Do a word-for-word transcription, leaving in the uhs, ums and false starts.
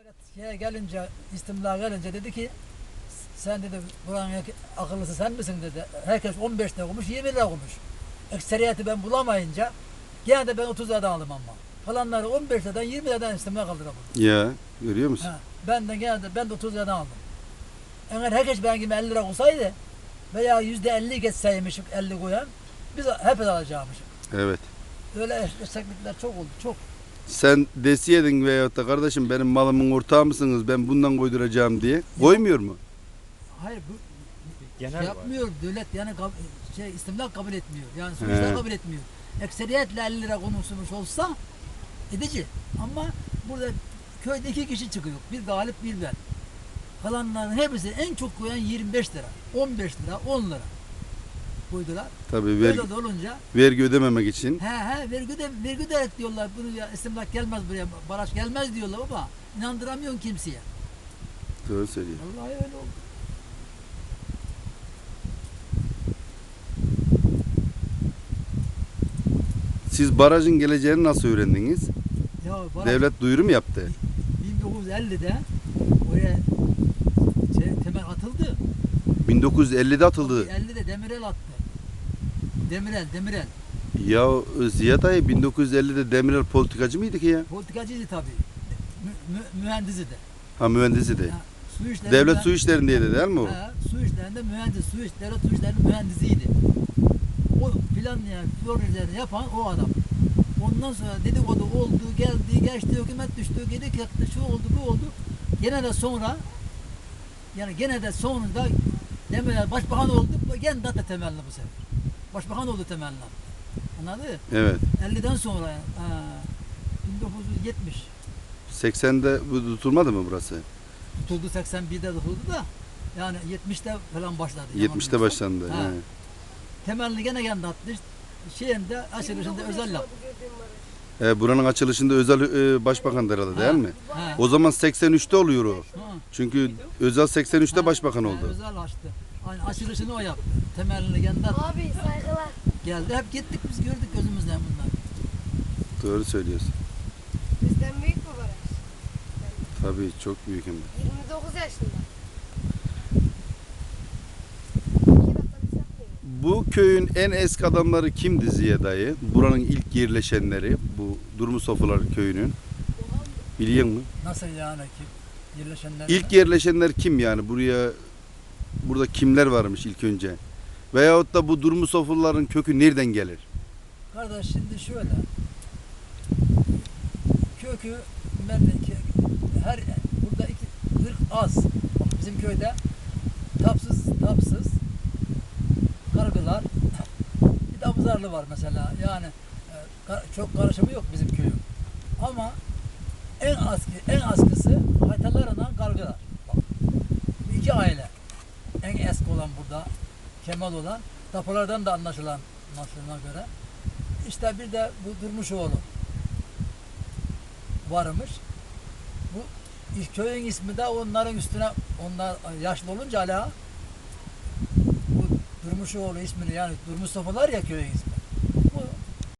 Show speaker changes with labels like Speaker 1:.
Speaker 1: Şeye gelince, istimla gelince dedi ki sen dedi buranın akıllısı sen misin dedi. Herkes on beş lira okumuş, yirmi lira okumuş. Ekseriyeti ben bulamayınca gene de ben otuz liradan aldım ama. Falanları on beş liradan yirmi liradan istimla kaldıramadım.
Speaker 2: Ya görüyor musun?
Speaker 1: Ha, ben de gene de ben de otuz liradan aldım. Eğer herkes benim gibi elli lira olsaydı veya yüzde elli geçseymişim elli koyan biz hepimiz alacakmışız.
Speaker 2: Evet.
Speaker 1: Öyle esneklikler çok oldu, çok.
Speaker 2: Sen desiydin veyahut da kardeşim benim malımın ortağı mısınız ben bundan koyduracağım diye. Koymuyor mu?
Speaker 1: Hayır bu
Speaker 3: Genel
Speaker 1: şey yapmıyor devlet yani kab- şey istimlak kabul etmiyor. Yani sonuçta
Speaker 2: He.
Speaker 1: kabul etmiyor. Ekseriyetle elli lira konuşulmuş olsa edici. Ama burada köyde iki kişi çıkıyor. Bir galip bir ben. Kalanların hepsi en çok koyan yirmi beş lira, on beş lira, on lira koydular.
Speaker 2: Tabii vergi,
Speaker 1: Böyle de olunca
Speaker 2: vergi ödememek için.
Speaker 1: he he vergi de vergi de diyorlar. Bunu ya istimlak gelmez buraya. Baraj gelmez diyorlar ama inandıramıyorsun kimseye.
Speaker 2: Doğru söylüyor.
Speaker 1: Vallahi öyle oldu.
Speaker 2: Siz barajın geleceğini nasıl öğrendiniz?
Speaker 1: Ya baraj
Speaker 2: Devlet duyuru mu yaptı?
Speaker 1: bin dokuz yüz ellide oraya şey, temel atıldı.
Speaker 2: bin dokuz yüz ellide atıldı.
Speaker 1: ellide Demirel attı. Demirel, Demirel.
Speaker 2: Ya Ziya dayı bin dokuz yüz ellide Demirel politikacı mıydı ki ya?
Speaker 1: Politikacıydı tabii. Mü, mü, mühendisi de.
Speaker 2: Ha mühendisi de.
Speaker 1: Ha, su işlerinde,
Speaker 2: Devlet su işlerindeydi değil mi o?
Speaker 1: Ha, su işlerinde mühendis, su iş, devlet su işlerinin mühendisiydi. O planlayan, projelerini yapan o adam. Ondan sonra dedikodu oldu, geldi, geçti, hükümet düştü, geri kalktı, şu oldu, bu oldu. Gene de sonra, yani gene de sonunda Demirel başbakan oldu, gene de temelli bu sefer. Başbakan oldu temelli. Anladın mı?
Speaker 2: Evet.
Speaker 1: elliden sonra, ha, bin dokuz yüz yetmiş.
Speaker 2: seksende bu tutulmadı mı burası?
Speaker 1: Tutuldu seksen birde tutuldu da, yani yetmişte falan başladı.
Speaker 2: yetmişte başlandı.
Speaker 1: Ha.
Speaker 2: he.
Speaker 1: Temelli gene kendi attı. Şeyinde, açılışında özel yaptı.
Speaker 2: E, buranın açılışında özel e, başbakan herhalde değil
Speaker 1: Ha.
Speaker 2: mi?
Speaker 1: Ha.
Speaker 2: O zaman seksen üçte oluyor o.
Speaker 1: Ha.
Speaker 2: Çünkü Özal seksen üçte
Speaker 1: Ha,
Speaker 2: başbakan
Speaker 1: ha,
Speaker 2: oldu.
Speaker 1: Özel açtı. Yani açılışını o yaptı. Temelini kendi attı.
Speaker 4: Abi saygılar.
Speaker 1: Geldi. Hep gittik biz gördük gözümüzden bunları.
Speaker 2: Doğru söylüyorsun.
Speaker 4: Bizden büyük mü baraj?
Speaker 2: Tabii çok büyük hem de.
Speaker 4: yirmi dokuz yaşında. İki dakika biz yapmıyoruz.
Speaker 2: Bu köyün en eski adamları kimdi Ziya dayı? Buranın ilk yerleşenleri, bu Durmusofular köyünün. Biliyor musun?
Speaker 1: Nasıl yani ki yerleşenler?
Speaker 2: İlk yerleşenler kim yani? Buraya burada kimler varmış ilk önce? Veyahut da bu Durmusofuların kökü nereden gelir?
Speaker 1: Kardeş şimdi şöyle. Kökü ben de ki- her burada iki ırk az. Bak bizim köyde tapsız tapsız kargılar bir de abuzarlı var mesela. Yani e, kar- çok karışımı yok bizim köyün. Ama en az en askısı haytalarla kargılar. Bak. Bu iki aile. En eski olan burada Kemal olan tapulardan da anlaşılan anlaşılana göre. İşte bir de bu Durmuşoğlu varmış. Bu köyün ismi de onların üstüne onlar yaşlı olunca hala bu Durmuşoğlu ismini yani Durmuş Sofular ya köyün ismi.